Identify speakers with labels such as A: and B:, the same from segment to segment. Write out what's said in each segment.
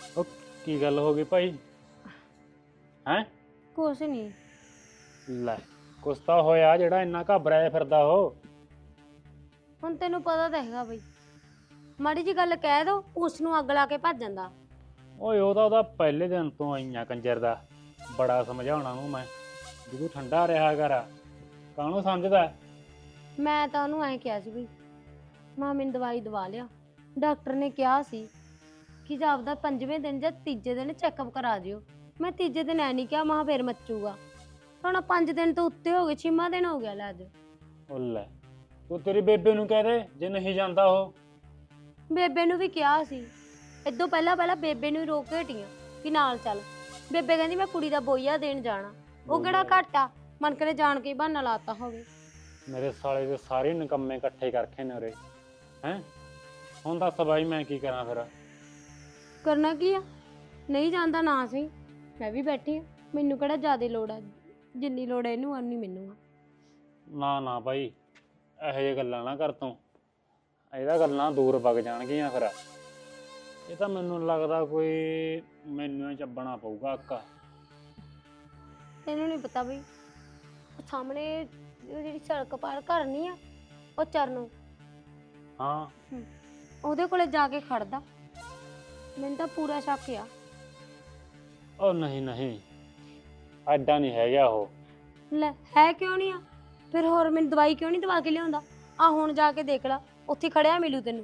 A: ਉਹ ਕੀ ਗੱਲ ਹੋ ਗਈ ਭਾਈ? ਹੈਂ?
B: ਕੁਛ ਨਹੀਂ।
A: ਲੈ ਕੁਛ ਤਾਂ ਹੋਇਆ ਜਿਹੜਾ ਇੰਨਾ ਘਬਰਾਇਆ ਫਿਰਦਾ ਉਹ।
B: ਹੁਣ ਤੈਨੂੰ ਪਤਾ ਤਾਂ ਹੈਗਾ ਬਈ, ਮਾੜੀ ਜੀ ਗੱਲ ਕਹਿ ਦੋ ਉਸ ਨੂੰ ਅੱਗ ਲਾ ਕੇ ਭੱਜ ਜਾਂਦਾ।
A: ਓਏ ਉਹਦਾ ਪਹਿਲੇ ਦਿਨ ਤੋਂ ਆਈਆਂ ਕੰਜਰ ਦਾ। ਬੜਾ ਸਮਝਾਉਣਾ ਨੂੰ ਮੈਂ ਵੀ ਤੂੰ ਠੰਡਾ ਰਿਹਾ ਕਰ, ਕਾਹਨੂੰ ਸਮਝਦਾ।
B: ਮੈਂ ਤਾਂ ਉਹਨੂੰ ਐਂ ਕਿਹਾ ਸੀ ਬਈ, ਮਾਂ ਮੈਨੂੰ ਦਵਾਈ ਦਵਾ ਲਿਆ। ਡਾਕਟਰ ਨੇ ਕਿਹਾ ਸੀ ਕਿ ਜਾਪਦਾ 5ਵੇਂ ਦਿਨ ਜਾਂ ਤੀਜੇ ਦਿਨ ਚੈੱਕਅਪ ਕਰਾ ਦਿਓ। ਮੈਂ ਤੀਜੇ ਦਿਨ ਐ ਨਹੀਂ ਕਿਹਾ, ਮਾਂ ਫੇਰ ਮੱਚੂਗਾ। ਹੁਣ 5 ਦਿਨ ਤੋਂ ਉੱਤੇ ਹੋ ਗਏ, 6ਵਾਂ ਦਿਨ ਹੋ ਗਿਆ ਲੈ ਅੱਜ।
A: ਉਹ ਲੈ ਤੂੰ ਤੇਰੀ ਬੇਬੇ ਨੂੰ ਕਹਿ ਦੇ ਜੇ ਨਹੀਂ ਜਾਂਦਾ ਉਹ।
B: ਬੇਬੇ ਨੂੰ ਵੀ ਕਿਹਾ ਸੀ, ਇਦੋਂ ਪਹਿਲਾਂ ਬੇਬੇ ਨੂੰ ਹੀ ਰੋਕ ਕੇ ਹਟੀਆਂ ਕਿ ਨਾਲ ਚੱਲ। ਬੇਬੇ ਕਹਿੰਦੀ ਮੈਂ ਕੁੜੀ ਦਾ ਬੋਈਆ ਦੇਣ ਜਾਣਾ। ਉਹ ਕਿਹੜਾ ਘੱਟ ਆ, ਮਨ ਕਰੇ ਜਾਣ ਕੇ ਬਹਾਨਾ ਲਾਤਾ ਹੋਵੇ।
A: ਮੇਰੇ ਸਾਲੇ ਦੇ ਸਾਰੇ ਨਿਕੰਮੇ ਇਕੱਠੇ ਕਰਕੇ ਨੇ ਉਰੇ। ਹੈਂ ਹੁਣ ਦੱਸ ਬਾਈ ਮੈਂ ਕੀ ਕਰਾਂ ਫਿਰ?
B: ਕਰਨਾ ਕੀ ਆ, ਨਹੀਂ ਜਾਂਦਾ ਨਾ ਸਹੀ, ਮੈਂ ਵੀ ਬੈਠੀ ਆ। ਮੈਨੂੰ ਕਿਹੜਾ ਜ਼ਿਆਦਾ ਲੋੜ ਆ, ਜਿੰਨੀ ਲੋੜ ਹੈ ਇਹਨੂੰ ਉਨੀ ਮੈਨੂੰ ਆ।
A: ਨਾ ਨਾ ਭਾਈ ਇਹੋ ਜਿਹੀ ਗੱਲਾਂ ਨਾ ਕਰ ਤੂੰ, ਇਹਦਾ ਗੱਲਾਂ ਦੂਰ ਵਗ ਜਾਣਗੀਆਂ ਫਿਰ। ਇਹ ਤਾਂ ਮੈਨੂੰ ਲੱਗਦਾ ਕੋਈ ਮੈਨੂੰ ਹੀ ਚੱਬਣਾ ਪਊਗਾ ਅੱਕਾ।
B: ਤੈਨੂੰ ਨਹੀਂ ਪਤਾ ਬਈ, ਉਹ ਸਾਹਮਣੇ ਉਹ ਜਿਹੜੀ ਸੜਕ ਪਾਰ ਘਰ ਨਹੀਂ ਆ, ਉਹ ਚਰਨੋਂ
A: ਹਾਂ
B: ਉਹਦੇ ਕੋਲੇ ਜਾ ਕੇ ਖੜਦਾ। ਮੈਨੂੰ ਤਾਂ ਪੂਰਾ ਸ਼ੱਕ ਆ।
A: ਉਹ ਨਹੀਂ ਨਹੀਂ ਐਡਾ ਨਹੀਂ ਹੈਗਾ ਉਹ।
B: ਲੈ ਹੈ ਕਿਉਂ ਨਹੀਂ ਆ? ਫਿਰ ਹੋਰ ਮੈਨੂੰ ਦਵਾਈ ਕਿਉਂ ਨਹੀਂ ਦਵਾ ਕੇ ਲਿਆਉਂਦਾ? ਆ ਹੁਣ ਜਾ ਕੇ ਦੇਖ ਲਾ, ਉੱਥੇ ਖੜਿਆ ਮਿਲੂ ਤੈਨੂੰ।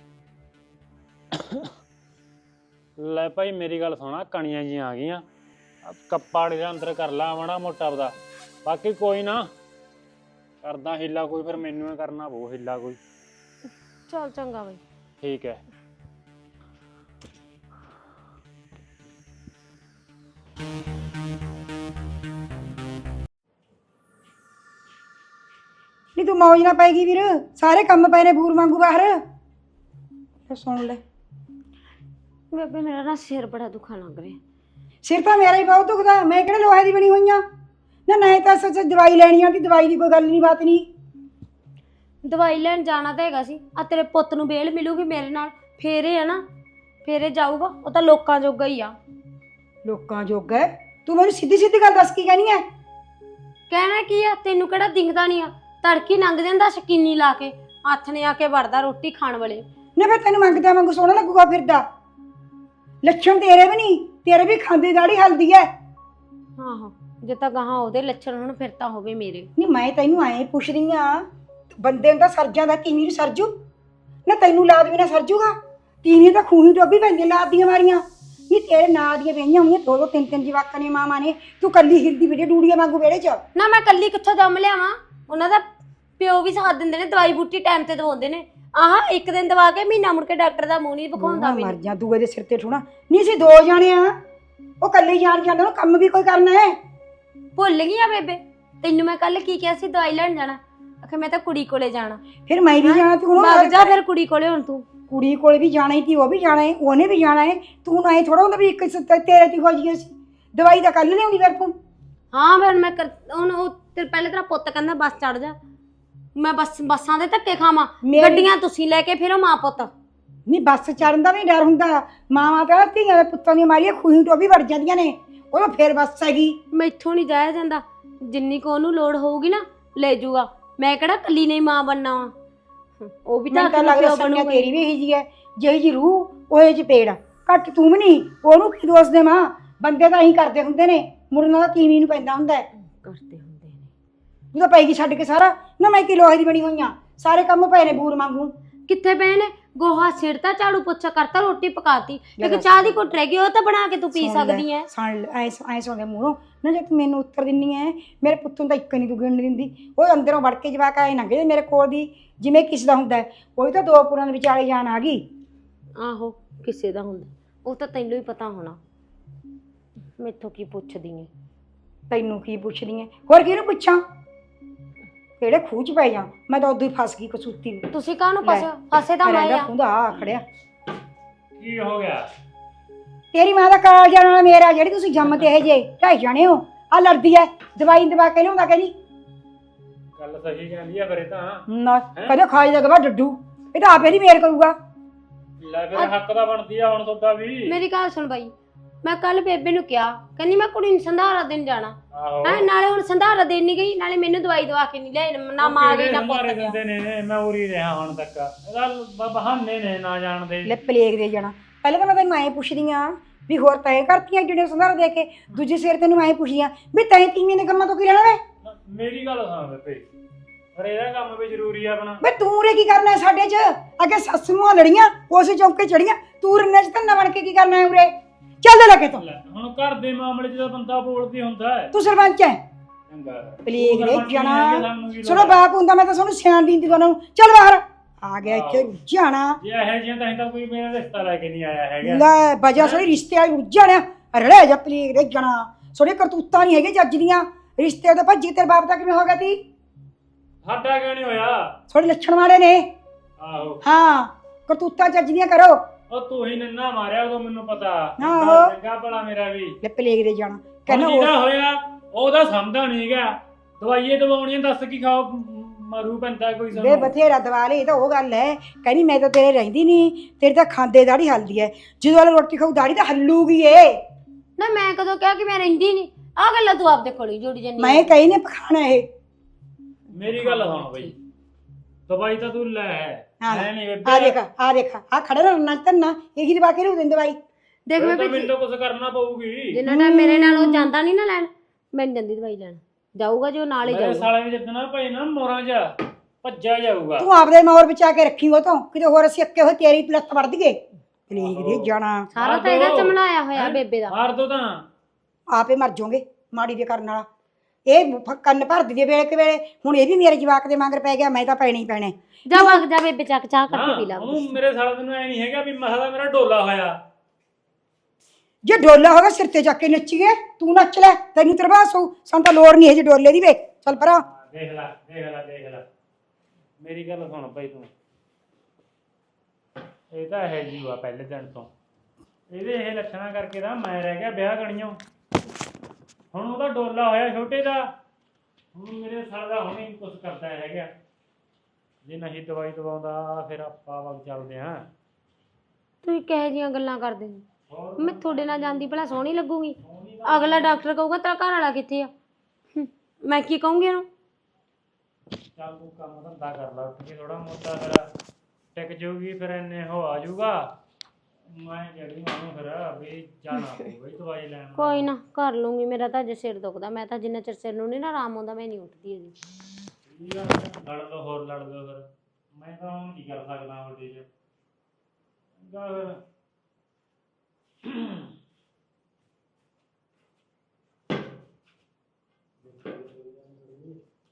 A: ਲੈ ਭਾਈ ਮੇਰੀ ਗੱਲ ਸੁਣਾ, ਕਣੀਆਂ ਜੀਆਂ ਆ ਗਈਆਂ, ਕੱਪਾੜ ਦੇ ਅੰਦਰ ਕਰ ਲਾ ਮਾੜਾ ਮੋਟਾ ਆਪਦਾ। ਬਾਕੀ ਕੋਈ ਨਾ ਕਰਦਾ ਹਿੱਲਾ ਕੋਈ, ਫਿਰ ਮੈਨੂੰ ਹੀ ਕਰਨਾ ਪਊ ਹਿੱਲਾ ਕੋਈ।
B: ਚੱਲ ਚੰਗਾ ਬਈ।
A: ਠੀਕ ਹੈ।
C: ਨਹੀਂ ਤੂੰ ਮੌਜ ਨਾ ਪਾਏਗੀ ਵੀਰ, ਸਾਰੇ ਕੰਮ ਪਏ ਨੇ ਬੂਰ ਵਾਂਗੂ ਬਾਹਰ। ਫਿਰ ਸੁਣ ਲੈ।
B: ਬੇਬੇ ਮੇਰਾ ਨਾ ਸਿਰ ਬੜਾ ਦੁਖਣ ਲੱਗ ਰਿਹਾ।
C: ਸਿਰ ਤਾਂ ਮੇਰਾ ਹੀ ਬਹੁਤ ਦੁਖਦਾ, ਮੈਂ ਕਿਹੜੇ ਲੋਹੇ ਦੀ ਬਣੀ ਹੋਈਆਂ ਨਾ। ਨਹੀਂ ਤਾਂ ਸੱਚ ਦਵਾਈ ਲੈਣੀ ਆ, ਦਵਾਈ ਦੀ ਕੋਈ ਗੱਲ ਨਹੀਂ ਬਾਤ ਨਹੀਂ।
B: ਦਵਾਈ ਲੈਣ ਜਾਣਾ ਤਾਂ ਹੈਗਾ ਸੀ, ਆ ਤੇਰੇ ਪੁੱਤ ਨੂੰ ਬੇਲ ਮਿਲੂਗੀ ਮੇਰੇ ਨਾਲ, ਫੇਰੇ ਆ ਨਾ, ਫੇਰੇ ਜਾਊਗਾ। ਉਹ ਤਾਂ ਲੋਕਾਂ ਜੋਗਾ ਹੀ ਆ।
C: ਲੋਕਾਂ ਜੋਗਾ? ਤੂੰ ਮੈਨੂੰ ਸਿੱਧੀ ਸਿੱਧੀ ਗੱਲ ਦੱਸ ਕੀ ਕਹਿਣੀ ਹੈ?
B: ਕਹਿਣਾ ਕੀ ਆ, ਤੈਨੂੰ ਕਿਹੜਾ ਦਿਖਦਾ ਨਹੀਂ ਆ? ਤੜਕੀ ਲੰਘ ਜਾਂਦਾ ਸ਼ਕੀਨੀ ਲਾ ਕੇ, ਹੱਥ ਨੇ ਆ ਕੇ ਵੜਦਾ ਰੋਟੀ ਖਾਣ ਵਾਲੇ।
C: ਨਾ ਫਿਰ ਤੈਨੂੰ ਮੰਗਦਾ ਵਾਂਗੂ ਸੋਹਣਾ ਲੱਗੂਗਾ ਫਿਰਦਾ। ਲੱਛਣ ਤੇਰੇ ਵੀ ਨਹੀਂ, ਤੇਰੇ ਵੀ ਖਾਂਦੀ ਦਾੜੀ ਹਲਦੀ ਹੈ।
B: ਆਹੋ ਜੇ ਤਾਂ ਗਾਹਾਂ ਉਹਦੇ ਲੱਛਣ ਹੁਣ ਫਿਰ ਤਾਂ ਹੋਵੇ ਮੇਰੇ।
C: ਨਹੀਂ ਮੈਂ ਤੈਨੂੰ ਐਂ ਪੁੱਛ ਰਹੀ ਆ, ਬੰਦੇ ਨੂੰ ਤਾਂ ਸਰਜਾਂ ਦਾ ਕਿਵੇਂ ਨੂੰ ਸਰਜੂ ਨਾ, ਤੈਨੂੰ ਲਾਦ ਵੀ ਨਾ ਸਰਜੂਗਾ। ਤੀਵੀਂ ਤਾਂ ਖੂਹੀ ਟੋਬੀ ਪੈਂਦੀ ਲਾਦ ਦੀਆਂ ਮਾਰੀਆਂ। ਨਹੀਂ ਤੇਰੇ ਨਾਂ ਦੀਆਂ ਪਈਆਂ ਹੋਈਆਂ 2-2 3-3 ਜਵਾਕਾਂ ਨੇ ਮਾਵਾਂ ਨੇ, ਤੂੰ ਕੱਲੀ ਹਿਰਦੀ ਵੀਡੀਓ ਡੂੜੀਆਂ ਵਾਂਗੂ ਵਿਹੜੇ 'ਚ।
B: ਨਾ ਮੈਂ ਕੱਲੀ ਕਿੱਥੋਂ ਜੰਮ ਲਿਆਵਾਂ, ਉਹਨਾਂ ਦਾ ਪਿਓ ਵੀ ਸਾਥ ਦਿੰਦੇ ਨੇ, ਦਵਾਈ ਬੂਟੀ ਟਾਈਮ ਤੇ ਦਵਾਉਂਦੇ ਨੇ। ਆਹ ਇੱਕ ਦਿਨ ਦਵਾ ਕੇ ਮਹੀਨਾ ਮੁੜ ਕੇ ਡਾਕਟਰ ਦਾ ਮੂੰਹ ਨਹੀਂ ਵਿਖਾਉਂਦਾ
C: ਮਰ ਜਾ ਦੂਏ ਦੇ ਸਿਰ ਤੇ ਠੋਣਾ। ਨਹੀਂ ਸੀ 2 ਜਾਣੇ ਆ, ਉਹ ਕੱਲੀ ਜਾਣ ਜਾਂਦਾ, ਉਹਨੂੰ ਕੰਮ ਵੀ ਕੋਈ ਕਰਨਾ ਹੈ।
B: ਭੁੱਲ ਗਈ ਆ ਬੇਬੇ, ਤੈਨੂੰ ਮੈਂ ਕੱਲ ਕੀ ਕਿਹਾ ਸੀ? ਦਵਾਈ ਲੈਣ ਜਾਣਾ, ਆਖੇ ਮੈਂ ਤਾਂ ਕੁੜੀ ਕੋਲੇ ਜਾਣਾ।
C: ਫਿਰ ਮੈਂ ਵੀ ਜਾਣਾ, ਤੂੰ
B: ਵਗ ਜਾ ਫਿਰ ਕੁੜੀ ਕੋਲੇ। ਹੁਣ ਤੂੰ
C: ਕੁੜੀ ਕੋਲ ਵੀ ਜਾਣਾ ਹੀ ਤੀ, ਉਹ ਵੀ ਜਾਣਾ ਹੈ, ਉਹਨੇ ਵੀ ਜਾਣਾ ਹੈ। ਤੂੰ ਨਾ ਥੋੜਾ ਹੁੰਦਾ ਵੀ ਇੱਕ ਤੇਰੇ ਤੇ ਹੋ ਜੀ ਸੀ। ਦਵਾਈ ਤਾਂ ਕੱਲ ਲਿਆਉਂਦੀ ਫਿਰ ਤੂੰ।
B: ਹਾਂ ਫਿਰ ਮੈਂ ਹੁਣ ਉਹ ਪਹਿਲੇ ਤੇਰਾ ਪੁੱਤ ਕਹਿੰਦਾ ਬੱਸ ਚੜ ਜਾ, ਮੈਂ ਬੱਸਾਂ ਦੇ ਧੱਕੇ ਖਾਵਾਂ? ਗੱਡੀਆਂ ਤੁਸੀਂ ਲੈ ਕੇ ਫਿਰੋ ਮਾਂ ਪੁੱਤ।
C: ਨਹੀਂ ਬੱਸ ਚੜਨ ਦਾ ਵੀ ਡਰ ਹੁੰਦਾ, ਮਾਵਾਂ ਤਾਂ ਧੀਆਂ ਦੇ ਪੁੱਤਾਂ ਦੀਆਂ ਮਾਰੀਆਂ ਖੂਹੀ ਟੋਬੀ ਵੜ ਜਾਂਦੀਆਂ ਨੇ, ਉਹ ਤਾਂ ਫਿਰ ਬੱਸ ਹੈਗੀ।
B: ਮੈਥੋਂ ਨਹੀਂ ਜਾਇਆ ਜਾਂਦਾ, ਜਿੰਨੀ ਕੋ ਉਹਨੂੰ ਲੋੜ ਹੋਊਗੀ ਨਾ ਲੈ ਜੂਗਾ। ਮੈਂ ਕਿਹੜਾ ਕੱਲੀ ਨਹੀਂ ਮਾਂ ਬਣਨਾ ਵਾ, ਉਹ ਵੀ ਤਾਂ
C: ਲੱਗਦਾ ਸੰਗਿਆ ਤੇਰੀ ਵੀ ਇਹੀ ਜੀ ਹੈ, ਜਿਹੀ ਜੀ ਰੂਹ ਉਹੇ ਜੀ ਪੇੜ। ਘੱਟ ਤੂੰ ਵੀ ਨਹੀਂ, ਉਹਨੂੰ ਕੀ ਦੋਸ਼ ਦੇ ਮਾਂ। ਬੰਦੇ ਤਾਂ ਇਹੀ ਕਰਦੇ ਹੁੰਦੇ ਨੇ, ਮੁੜਨਾ ਤਾਂ ਤੀਵੀਂ ਨੂੰ ਪੈਂਦਾ ਹੁੰਦਾ ਹੈ।
B: ਕਰਦੇ ਹੁੰਦੇ ਨੇ
C: ਜਦੋਂ ਪੈਗੀ ਛੱਡ ਕੇ ਸਾਰਾ ਨਾ, ਮੈਂ ਕੀ ਲੋਹੇ ਦੀ ਬਣੀ ਹੋਈਆਂ, ਸਾਰੇ ਕੰਮ ਪਏ ਨੇ ਬੂਰ ਵਾਂਗੂ।
B: ਕਿੱਥੇ ਪਏ ਨੇ? ਗੋਹਾ ਸਿਰਤਾ, ਝਾੜੂ ਪੋਚਾ ਕਰਤਾ, ਰੋਟੀ ਪਕਾਤੀ, ਇੱਕ ਚਾਹ ਦੀ ਘੁੱਟ ਰਹਿ ਗਈ, ਉਹ ਤਾਂ ਬਣਾ ਕੇ ਤੂੰ ਪੀ ਸਕਦੀ ਐ।
C: ਐ ਸੁਣਦੇ ਮੂਹਰੋਂ ਨਾ, ਜੇ ਤੂੰ ਮੈਨੂੰ ਉੱਤਰ ਦਿੰਨੀ ਐ, ਮੇਰੇ ਪੁੱਤ ਨੂੰ ਤਾਂ ਇੱਕ ਨਹੀਂ ਤੂੰ ਗਿਣ ਦਿੰਦੀ। ਉਹ ਅੰਦਰੋਂ ਵੜ ਕੇ ਜਵਾਕ ਆਏ ਲੰਘੇ ਮੇਰੇ ਕੋਲ ਦੀ, ਜਿਵੇਂ ਕਿਸੇ ਦਾ ਹੁੰਦਾ। ਉਹ ਤਾਂ 2 ਪੁਰਾਂ ਦੇ ਵਿਚਾਲੇ ਜਾਣ ਆ ਗਈ।
B: ਆਹੋ ਕਿਸੇ ਦਾ ਹੁੰਦਾ, ਉਹ ਤਾਂ ਤੈਨੂੰ ਹੀ ਪਤਾ ਹੋਣਾ। ਮੈਥੋਂ ਕੀ ਪੁੱਛਦੀ ਐ?
C: ਤੈਨੂੰ ਕੀ ਪੁੱਛਦੀ ਐ? ਹੋਰ ਕਿਹਨੂੰ ਪੁੱਛਾਂ? ਕਿਹੜੇ ਖੂਹ 'ਚ ਪੈ ਜਾ, ਮੈਂ ਤਾਂ ਉਦੋਂ ਹੀ ਫਸ ਗਈ ਕਸੂਤੀ ਨੂੰ।
B: ਤੁਸੀਂ ਕਾਹਨੂੰ ਫਸੇ ਤਾਂ ਮੈਂ ਆ।
C: ਖੁੰਦਾ ਆ ਖੜਿਆ।
A: ਕੀ ਹੋ ਗਿਆ?
C: ਤੇਰੀ ਮਾਂ ਦਾ ਕਾਲ ਜਾਣ ਵਾਲਾ ਮੇਰਾ, ਜਿਹੜੀ ਤੁਸੀਂ ਜੰਮ ਤੇ ਇਹ ਜੇ 2.5 ਜਾਣੇ ਹੋ। ਆ ਲੜਦੀ ਐ, ਦਵਾਈ ਦਵਾ ਕੇ ਲਿਆਉਂਦਾ ਕਹਿੰਦੀ।
A: ਗੱਲ ਸਹੀ ਕਹਿੰਦੀ ਆ ਫਿਰ ਇਹ ਤਾਂ।
C: ਨਾ ਕਦੇ ਖਾਈ ਦਾ ਗਵਾ ਡੱਡੂ, ਇਹ ਤਾਂ ਆਪੇ ਨਹੀਂ ਮੇਰ ਕਰੂਗਾ।
A: ਲੈ ਫਿਰ ਹੱਕ ਦਾ ਬਣਦੀ ਆ ਹੁਣ ਤੁਹਾਡਾ ਵੀ।
B: ਮੇਰੀ ਗੱਲ ਸੁਣ ਬਾਈ, ਮੈਂ ਕੱਲ ਬੇਬੇ ਨੂੰ ਕਿਹਾ, ਕਹਿੰਦੀ ਮੈਂ ਕੁੜੀ ਨੂੰ ਸੰਧਾਰਾ ਦੇਣ ਜਾਣਾ
A: ਆਹੋ
B: ਹੈ। ਨਾਲੇ ਹੁਣ ਸੰਧਾਰਾ ਦੇਣ ਨਹੀਂ ਗਈ, ਨਾਲੇ ਮੈਨੂੰ ਦਵਾਈ ਦਵਾ ਕੇ ਨਹੀਂ ਲਿਆਈ, ਨਾ ਮਾਂ ਗਈ ਨਾ ਪੁੱਤ
A: ਮਾਰੇ
B: ਗਿਆ।
A: ਦਿੰਦੇ ਨੇ, ਮੈਂ ਉਰੀ ਰਿਹਾ ਹੁਣ ਤੱਕ। ਇਹਦਾ ਬਹਾਨੇ ਨੇ ਨਾ ਜਾਣਦੇ।
C: ਲੈ ਪਲੇਗ ਦੇ ਜਾਣਾ। ਪਹਿਲਾਂ ਤਾਂ ਮੈਂ ਤੈਨੂੰ ਐਂ ਪੁੱਛਦੀ ਆ ਵੀ ਹੋਰ ਤੈਂ ਕਰਤੀਆਂ ਜਿਹੜੇ ਸੰਧਾਰਾ ਦੇ ਕੇ, ਦੂਜੇ ਸਿਰ ਤੈਨੂੰ ਐਂ ਪੁੱਛਦੀ ਆ ਵੀ ਤੈਂ ਤੀਵੀਂ ਦੇ ਕੰਮਾਂ ਤੋਂ ਕੀ ਲੈਣਾ ਵੇ?
A: ਮੇਰੀ ਗੱਲ ਸੁਣ ਬੇਬੇ, ਪਰ ਇਹਦਾ ਕੰਮ ਵੀ ਜ਼ਰੂਰੀ ਆ ਆਪਣਾ।
C: ਵੇ ਤੂੰ ਰੇ ਕੀ ਕਰਨਾ ਸਾਡੇ 'ਚ? ਅੱਗੇ ਸੱਸ ਨੂੰ ਲੜੀਆਂ, ਉਸੇ ਚੌਂਕੇ ਚੜੀਆਂ, ਤੂੰ ਰੰਨੇ 'ਚ ਧੰਨਾ ਬਣ ਕੇ ਕੀ ਕਰਨਾ ਹੈ ਉਰੇ? ਚੱਲ ਲੱਗੇ ਤੂੰ।
A: ਲੈ, ਹੁਣ ਘਰ ਦੇ ਮਾਮਲੇ 'ਚ ਤਾਂ ਬੰਦਾ ਬੋਲਦੀ ਹੁੰਦਾ ਹੈ।
C: ਤੂੰ ਸਰਪੰਚ ਹੈ।
A: ਚੰਗਾ
C: ਪਲੇਗ ਦੇ
A: ਸਾਨੂੰ
C: ਜਾਣਾ।
A: ਕੀ ਲੋੜ
C: ਸੁਣੋ
A: ਹੈ?
C: ਬਾਪ ਹੁੰਦਾ, ਮੈਂ ਤਾਂ ਤੁਹਾਨੂੰ ਸਿਆਣ ਦਿੰਦੀ ਤੁਹਾਨੂੰ। ਚੱਲ ਬਾਹਰ ਆ ਗਿਆ ਇੱਥੇ ਜਾਣਾ।
A: ਜੇ ਇਹ ਜਿਹੀਆਂ ਤਾਂ ਕੋਈ ਮੇਰਾ ਰਿਸ਼ਤਾ ਲੈ ਕੇ ਨਹੀਂ ਆਇਆ ਹੈਗਾ।
C: ਲੈ ਵਜਾ ਸੋਰੀ ਰਿਸ਼ਤੇ ਵਾਲੀ ਉੱਜਣਿਆ ਰੜੇ ਜਾ ਪਲੇਗ ਦੇ ਜਾਣਾ। ਸੋਰੇ ਕਰਤੂਤਾਂ ਨਹੀਂ ਹੈਗੇ ਜੱਜ ਦੀਆਂ। ਰਿਸ਼ਤੇ ਤਾਂ ਭੱਜੀ ਤੇਰੇ ਬਾਪ ਦਾ ਕਿਵੇਂ ਹੋ ਗਿਆ ਤੀ?
A: ਸਾਡਾ ਕਿਉਂ ਨਹੀਂ ਹੋਇਆ?
C: ਥੋੜੇ ਲੱਛਣ ਵਾਲੇ ਨੇ।
A: ਆਹੋ
C: ਹਾਂ ਕਰਤੂਤਾਂ ਜੱਜ ਦੀਆਂ ਕਰੋ।
A: ਉਹ ਤੂੰ ਹੀ ਨੰਨਾ ਮਾਰਿਆ ਉਦੋਂ ਮੈਨੂੰ ਪਤਾ।
C: ਆਹੋ।
A: ਚੰਗਾ ਭਲਾ ਮੇਰਾ ਵੀ।
C: ਲੈ ਪਲੇਗ ਦੇ ਜਾਣਾ
A: ਕਹਿੰਦਾ
C: ਕਹਿੰਦਾ
A: ਜਿਹਦਾ ਹੋਇਆ ਉਹਦਾ ਸਮਝਦਾ ਨਹੀਂ ਗਿਆ। ਦਵਾਈਏ ਦਵਾਉਣੀਆਂ ਦੱਸ ਕੀ ਖਾਓ, ਮਰੂ ਪੈਂਦਾ ਕੋਈ
C: ਵੇ
A: ਸਾਨੂੰ।
C: ਬਥੇਰਾ ਦਵਾ ਲੇ। ਇਹ ਤਾਂ ਉਹ ਗੱਲ ਹੈ, ਕਹਿੰਦੀ ਮੈਂ ਤਾਂ ਤੇਰੇ ਰਹਿੰਦੀ ਨਹੀਂ, ਤੇਰੀ ਤਾਂ ਖਾਂਦੇ ਦਾੜੀ ਹਲਦੀ ਹੈ। ਜਦੋਂ ਵਾਲੇ ਰੋਟੀ ਖਾਊ ਦਾੜੀ ਤਾਂ ਹੱਲੂਗੀ ਏ।
B: ਨਾ ਮੈਂ ਕਦੋਂ ਕਿਹਾ ਕਿ ਮੈਂ ਰਹਿੰਦੀ ਨਹੀਂ? ਆ ਗੱਲਾਂ ਤੂੰ ਆਪਦੇ ਕੋਲ ਹੀ ਜੋੜੀ ਜੰਨੀ।
C: ਮੈਂ ਕਹੀ ਨੇ ਪਖਾਣਾ ਇਹ।
A: ਮੇਰੀ ਗੱਲ ਸੁਣ ਬਈ, ਦਵਾਈ ਤਾਂ ਤੂੰ ਲੈ। ਮੈਂ ਨਹੀਂ ਬੇਬੇ।
C: ਆ ਦੇਖ ਆ ਖੜਾ ਰਹਿਣਾ ਤੰਨਾ ਇਹੀ ਦਵਾ ਕੇ ਰੂ ਦਿੰਦੇ ਬਾਈ।
B: ਦੇਖ ਮੈਂ
A: ਮੈਨੂੰ ਤਾਂ ਕੁਝ ਕਰਨਾ ਪਊਗੀ।
B: ਜਿੰਨਾ ਟਾਈਮ ਮੇਰੇ ਨਾਲ ਉਹ ਜਾਂਦਾ ਨਹੀਂ ਨਾ ਲੈਣ, ਮੈਂ ਨੀ ਜਾਂਦੀ ਦਵਾਈ ਲੈਣ। ਜਾਊਗਾ ਜੋ ਨਾਲ ਹੀ
A: ਮੇਰੇ
B: ਜਾਊਗਾ।
A: ਸਾਲੇ ਵੀ ਜਿੱਦਣਾ ਭਾਈ ਨਾ ਮੋਰਾਂ 'ਚ ਭੱਜਿਆ ਜਾਊਗਾ।
C: ਤੂੰ ਆਪਦੇ ਮੌਰ ਬਚਾ ਕੇ ਰੱਖੀ ਉਹ ਤੋਂ, ਕਿਤੇ ਹੋਰ ਅਸੀਂ ਅੱਕੇ ਹੋਏ ਤੇਰੀ ਪਲੱਤ ਵੜ ਦਈਏ। ਪਲੇਗ ਦੇ ਜਾਣਾ।
B: ਸਾਰਾ ਤਾਂ ਇਹਦਾ ਚਮਲਾਇਆ ਹੋਇਆ ਬੇਬੇ ਦਾ।
A: ਮਾਰ ਦੋ ਤਾਂ।
C: ਆਪੇ ਮਰ ਜਾਓਗੇ ਮਾੜੀ ਦੇ ਕਰਨ ਵਾਲਾ। ਇਹ ਕੰਨ ਭਰਦੀ ਦੇ ਵੇਲੇ ਕਿ ਵੇਲੇ। ਹੁਣ ਇਹ ਵੀ ਮੇਰੇ ਜਵਾਕ ਦੇ ਮਗਰ ਪੈ ਗਿਆ, ਮੈਂ ਤਾਂ ਪੈਣੇ ਹੀ ਪੈਣੇ।
B: ਜਾ ਵਗ ਜਾ ਬੇਬੇ, ਚੱਕ ਚਾਹ ਕਰਕੇ ਪੀ ਲਾ।
A: ਉਹਨੂੰ ਮੇਰੇ ਸਾਲੇ ਨੂੰ ਐ ਨਹੀਂ ਹੈਗਾ ਵੀ ਮਸਾ ਦਾ ਮੇਰਾ ਡੋਲਾ ਹੋਇਆ।
C: ਜੇ ਡੋਲਾ ਹੋਗਾ ਸਿਰ ਤੇ ਚੱਕ ਕੇ ਨੱਚੀਏ, ਤੂੰ ਨੱਚ ਲੈ, ਤੈਨੂੰ ਤਰਵਾਸ ਹੋਊ। ਸਾਨੂੰ ਤਾਂ ਲੋੜ ਨਹੀਂ ਹੈ ਜੇ ਡੋਲੇ ਦੀ। ਵੇ ਚੱਲ ਪਰਾਂ।
A: ਦੇਖ ਲੈ ਦੇਖ ਲੈ ਦੇਖ ਲੈ। ਮੇਰੀ ਗੱਲ ਸੁਣ ਭਾਈ ਤੂੰ। ਇਹ ਤਾਂ ਹੈ ਜੀ ਵਾ ਪਹਿਲੇ ਦਿਨ ਤੋਂ। ਇਹਦੇ ਇਹ ਲੱਛਣਾ ਕਰਕੇ ਤਾਂ ਮੈਂ ਰਹਿ ਗਿਆ ਵਿਆਹ ਗਣੀਆਂ। ਹੁਣ ਉਹਦਾ ਡੋਲਾ ਹੋਇਆ ਛੋਟੇ ਦਾ। ਹੁਣ ਮੇਰੇ ਸਾਲ ਦਾ ਹੁਣੇ ਕੁਝ ਕਰਦਾ ਹੈਗਾ। ਜੇ ਨਹੀਂ ਦਵਾਈ ਦਵਾਉਂਦਾ ਫਿਰ ਆਪਾਂ ਵਗ ਚੱਲਦੇ ਹਾਂ।
B: ਤੂੰ ਕਿਹੋ ਜਿਹੀਆਂ ਗੱਲਾਂ ਕਰਦੇ ਹੋ?
A: ਹੋਰ
B: ਮੈਂ ਤੁਹਾਡੇ ਨਾਲ ਜਾਂਦੀ ਭਲਾ ਸੋਹਣੀ ਲੱਗੂਗੀ? ਅਗਲਾ ਡਾਕਟਰ ਕਹੂਗਾ ਤੇਰਾ ਘਰ ਵਾਲਾ ਕਿੱਥੇ ਆ? ਮੈਂ ਕੀ ਕਹੂੰਗੀ ਉਹਨੂੰ?
A: ਚੱਲ ਤੂੰ ਕੰਮ ਧੰਦਾ ਕਰ ਲਾ ਉੱਠ ਕੇ ਥੋੜਾ ਮੋਟਾ, ਫਿਰ ਟਿਕ ਜਾਊਗੀ, ਫਿਰ ਇੰਨੇ ਹੋ ਆ ਜਾਊਗਾ। ਮੈਂ ਜਿਹੜੀ ਉਹਨੂੰ ਫਿਰ ਵੀ ਜਾਣਾ ਪਊਗਾ ਦਵਾਈ ਲੈਣ।
B: ਕੋਈ ਨਾ ਕਰ ਲੂੰਗੀ। ਮੇਰਾ ਤਾਂ ਅਜੇ ਸਿਰ ਦੁਖਦਾ। ਮੈਂ ਤਾਂ ਜਿੰਨਾ ਚਿਰ ਸਿਰ ਨੂੰ ਨਹੀਂ ਨਾ ਆਰਾਮ ਆਉਂਦਾ ਮੈਂ ਨਹੀਂ ਉੱਠਦੀ ਹੈਗੀ।
A: ਲੜ ਲਓ ਹੋਰ ਲੜ ਲਓ ਫਿਰ। ਮੈਂ ਤਾਂ ਹੁਣ ਕੀ ਕਰ ਸਕਦਾ ਵੱਡੇ 'ਚ। ਫਿਰ